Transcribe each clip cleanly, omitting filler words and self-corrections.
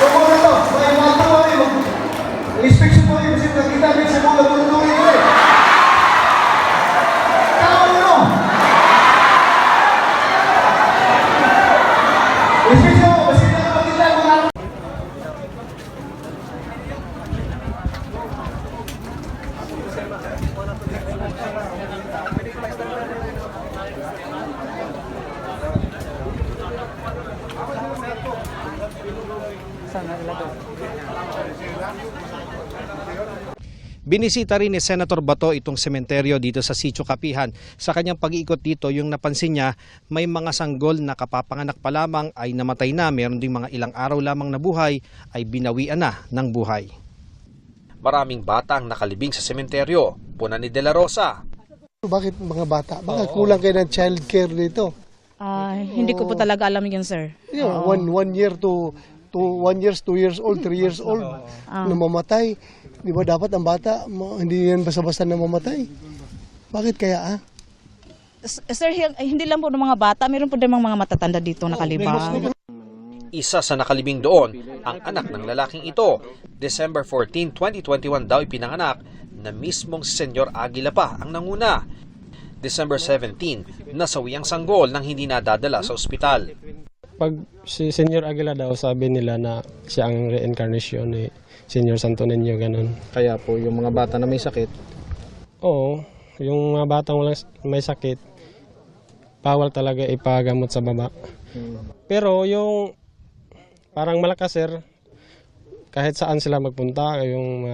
Binisita rin ni Senator Bato itong sementeryo dito sa Sitio Kapihan. Sa kanyang pag-iikot dito, yung napansin niya, may mga sanggol na kapapanganak pa lamang ay namatay na, meron ding mga ilang araw lamang na buhay ay binawian na ng buhay. Maraming bata ang nakalibing sa sementeryo, puna ni De La Rosa. Bakit mga bata? Bakit kulang kayo ng child care dito? Hindi ko po talaga alam yun, sir. Yeah, 1 year to 1 year, 2 years old, 3 years old na mamatay. Di ba dapat ang bata, hindi yan basta-basta na mamatay? Bakit kaya Sir, hindi lang po ng mga bata, mayroon po din mga matatanda dito nakalibang. Isa sa nakalibing doon, ang anak ng lalaking ito. December 14, 2021 daw ipinanganak na mismong si Senyor Aguila pa ang nanguna. December 17, nasawi ang sanggol nang hindi nadadala sa ospital. Pag si Senyor Aguila daw, sabi nila na siya ang reincarnation ni Senyor Santo Niño, ganun. Kaya po yung mga bata na may sakit? Oo, yung mga batang may sakit, bawal talaga ipagamot sa baba. Pero yung parang malakas, sir, kahit saan sila magpunta, yung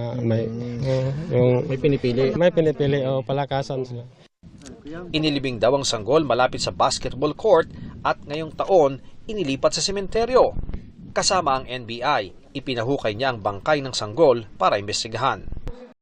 may pinipili. May pinipili, palakasan sila. Inilibing daw ang sanggol malapit sa basketball court at ngayong taon inilipat sa sementeryo. Kasama ang NBI, ipinahukay niya ang bangkay ng sanggol para imbestigahan.